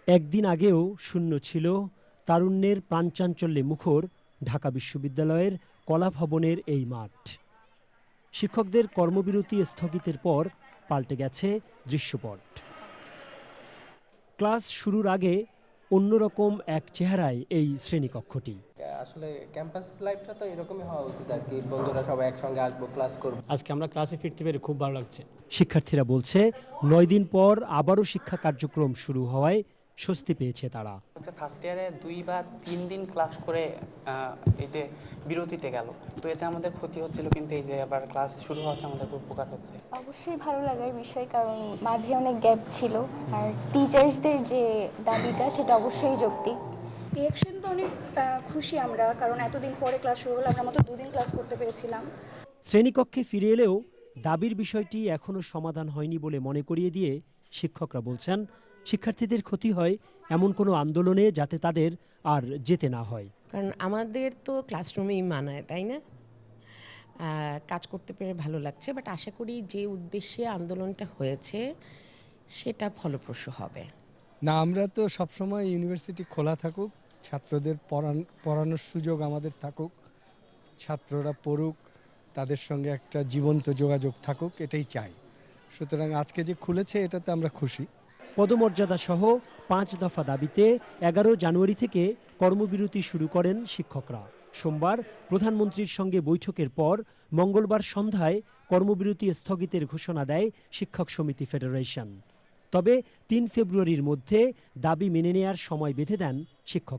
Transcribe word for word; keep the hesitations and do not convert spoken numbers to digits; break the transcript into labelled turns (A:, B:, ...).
A: একদিন আগেও শূন্য ছিল তারুণ্যের প্রাণচাঞ্চল্যে মুখর ঢাকা বিশ্ববিদ্যালয়ের কলা ভবনের এই মাঠ। শিক্ষকদের কর্মবিরতি স্থগিতের পর পাল্টে গেছে দৃশ্যপট। ক্লাস শুরুর আগে অন্যরকম এক চেহারায় এই শ্রেণীকক্ষটি।
B: আসলে ক্যাম্পাস লাইফটা তো এরকমই হওয়া উচিত আর কি, বন্ধুরা সবাই একসঙ্গে আসবো, ক্লাস করবো।
C: আজকে আমরা ক্লাসে ফিরতে পেরে খুব ভালো লাগছে।
A: শিক্ষার্থীরা বলছে নয় দিন পর আবারও শিক্ষা কার্যক্রম শুরু হওয়ায় স্বস্তি পেয়েছে তারা।
D: হচ্ছে ফার্স্ট ইয়ারে দুই বা তিন দিন ক্লাস করে এই যে বিরতিতে গেল, তো এতে আমাদের ক্ষতি হচ্ছিল, কিন্তু এই যে আবার ক্লাস শুরু হচ্ছে আমাদের খুব উপকার হচ্ছে।
E: অবশ্যই ভালো লাগার বিষয়, কারণ মাঝে অনেক গ্যাপ ছিল, আর টিচার্সদের যে দাবিটা সেটা অবশ্যই যৌক্তিক।
F: রিঅ্যাকশন তো অনেক খুশি আমরা, কারণ এতদিন পরে ক্লাস শুরু হলো, আমরা মাত্র দুদিন ক্লাস করতে পেরেছিলাম।
A: শ্রেণীকক্ষে ফিরে এলেও দাবির বিষয়টি এখনো সমাধান হয়নি বলে মনে করিয়ে দিয়ে শিক্ষকরা বলছেন শিক্ষার্থীদের ক্ষতি হয় এমন কোনো আন্দোলনে যাতে তাদের আর যেতে না হয়।
G: কারণ আমাদের তো ক্লাসরুমেই মানায়, তাই না? কাজ করতে পেরে ভালো লাগছে, বাট আশা করি যে উদ্দেশ্যে আন্দোলনটা হয়েছে সেটা ফলপ্রসূ হবে।
H: না, আমরা তো সবসময় ইউনিভার্সিটি খোলা থাকুক, ছাত্রদের পড়ান পড়ানোর সুযোগ আমাদের থাকুক, ছাত্ররা পড়ুক, তাদের সঙ্গে একটা জীবন্ত যোগাযোগ থাকুক, এটাই চাই। সুতরাং আজকে যে খুলেছে এটাতে আমরা খুশি।
A: পদমর্যাদা সহ পাঁচ দফা দাবিতে এগারো জানুয়ারি থেকে কর্মবিরতি শুরু করেন শিক্ষকরা। সোমবার প্রধানমন্ত্রীর সঙ্গে বৈঠকের পর মঙ্গলবার সন্ধ্যায় কর্মবিরতি স্থগিতের ঘোষণা দেয় শিক্ষক সমিতি ফেডারেশন। তবে তিন ফেব্রুয়ারির মধ্যে দাবি মেনে নেয়ার সময় বেঁধে দেন শিক্ষক।